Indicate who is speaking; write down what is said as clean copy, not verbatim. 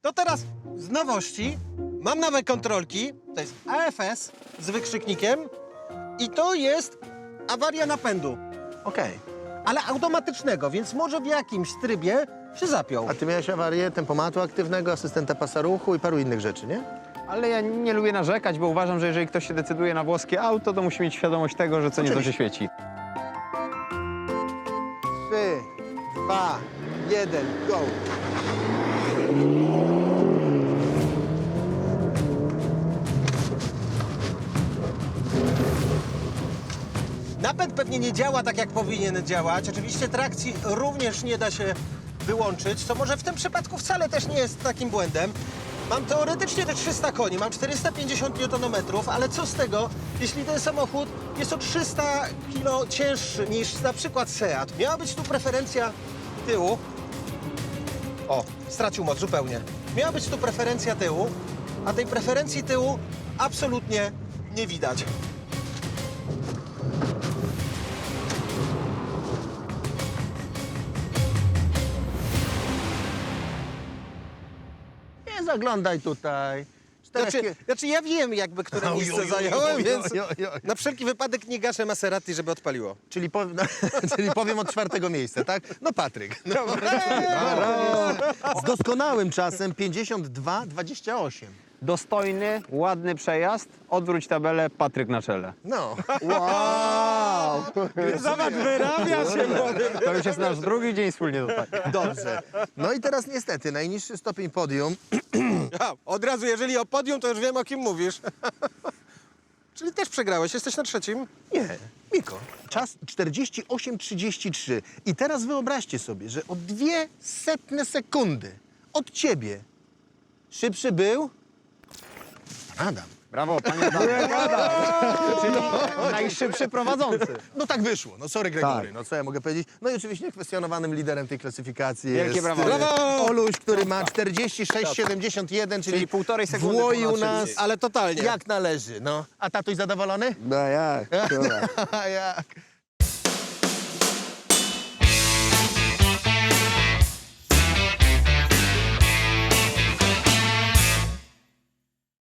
Speaker 1: To teraz z nowości mam nowe kontrolki. To jest AFS z wykrzyknikiem i to jest awaria napędu.
Speaker 2: Okej.
Speaker 1: Ale automatycznego, więc może w jakimś trybie się zapiął.
Speaker 2: A ty miałeś awarię tempomatu aktywnego, asystenta pasa ruchu i paru innych rzeczy, nie?
Speaker 3: Ale ja nie lubię narzekać, bo uważam, że jeżeli ktoś się decyduje na włoskie auto, to musi mieć świadomość tego, że co nieco się świeci.
Speaker 2: 3, 2, 1, go!
Speaker 1: Napęd pewnie nie działa tak, jak powinien działać. Oczywiście trakcji również nie da się wyłączyć, co może w tym przypadku wcale też nie jest takim błędem. Mam teoretycznie te 300 koni, mam 450 Nm, ale co z tego, jeśli ten samochód jest o 300 kg cięższy niż na przykład Seat? Miała być tu preferencja tyłu. O, stracił moc zupełnie. Miała być tu preferencja tyłu, a tej preferencji tyłu absolutnie nie widać.
Speaker 2: Nie zaglądaj tutaj.
Speaker 1: Znaczy ja wiem jakby, które
Speaker 2: Oj,
Speaker 1: miejsce
Speaker 2: oj, oj,
Speaker 1: zająłem,
Speaker 2: oj,
Speaker 1: więc
Speaker 2: oj, oj, oj.
Speaker 1: na wszelki wypadek nie gaszę Maserati, żeby odpaliło.
Speaker 2: Czyli, czyli powiem od 4. miejsca, tak? No Patryk. No. Z doskonałym czasem 52,28.
Speaker 3: Dostojny, ładny przejazd, odwróć tabelę, Patryk na czele.
Speaker 2: No.
Speaker 3: Wow!
Speaker 1: Zobacz, wyrabia się młody.
Speaker 3: To już jest nasz drugi dzień wspólnie tutaj.
Speaker 2: Dobrze. No i teraz niestety najniższy stopień podium.
Speaker 1: Od razu, jeżeli o podium, to już wiem, o kim mówisz. Czyli też przegrałeś, jesteś na trzecim?
Speaker 2: Nie, Miko. Czas 48,33. I teraz wyobraźcie sobie, że o 0,02 sekundy od ciebie szybszy był Adam.
Speaker 3: Brawo, panie Adamie. Czyli najszybszy prowadzący.
Speaker 2: No tak wyszło. No sorry Gregory,
Speaker 3: Tak.
Speaker 2: no co ja mogę powiedzieć? No i oczywiście kwestionowanym liderem tej klasyfikacji
Speaker 3: Wielkie
Speaker 2: jest
Speaker 3: brawo.
Speaker 1: Brawo!
Speaker 2: Oluś, który ma 46,71, czyli
Speaker 3: półtorej sekundy
Speaker 2: włoił
Speaker 3: ponad
Speaker 2: nas
Speaker 3: szybciej.
Speaker 1: Ale totalnie.
Speaker 2: jak należy. No. A tatuś zadowolony?
Speaker 3: No jak?
Speaker 2: A jak?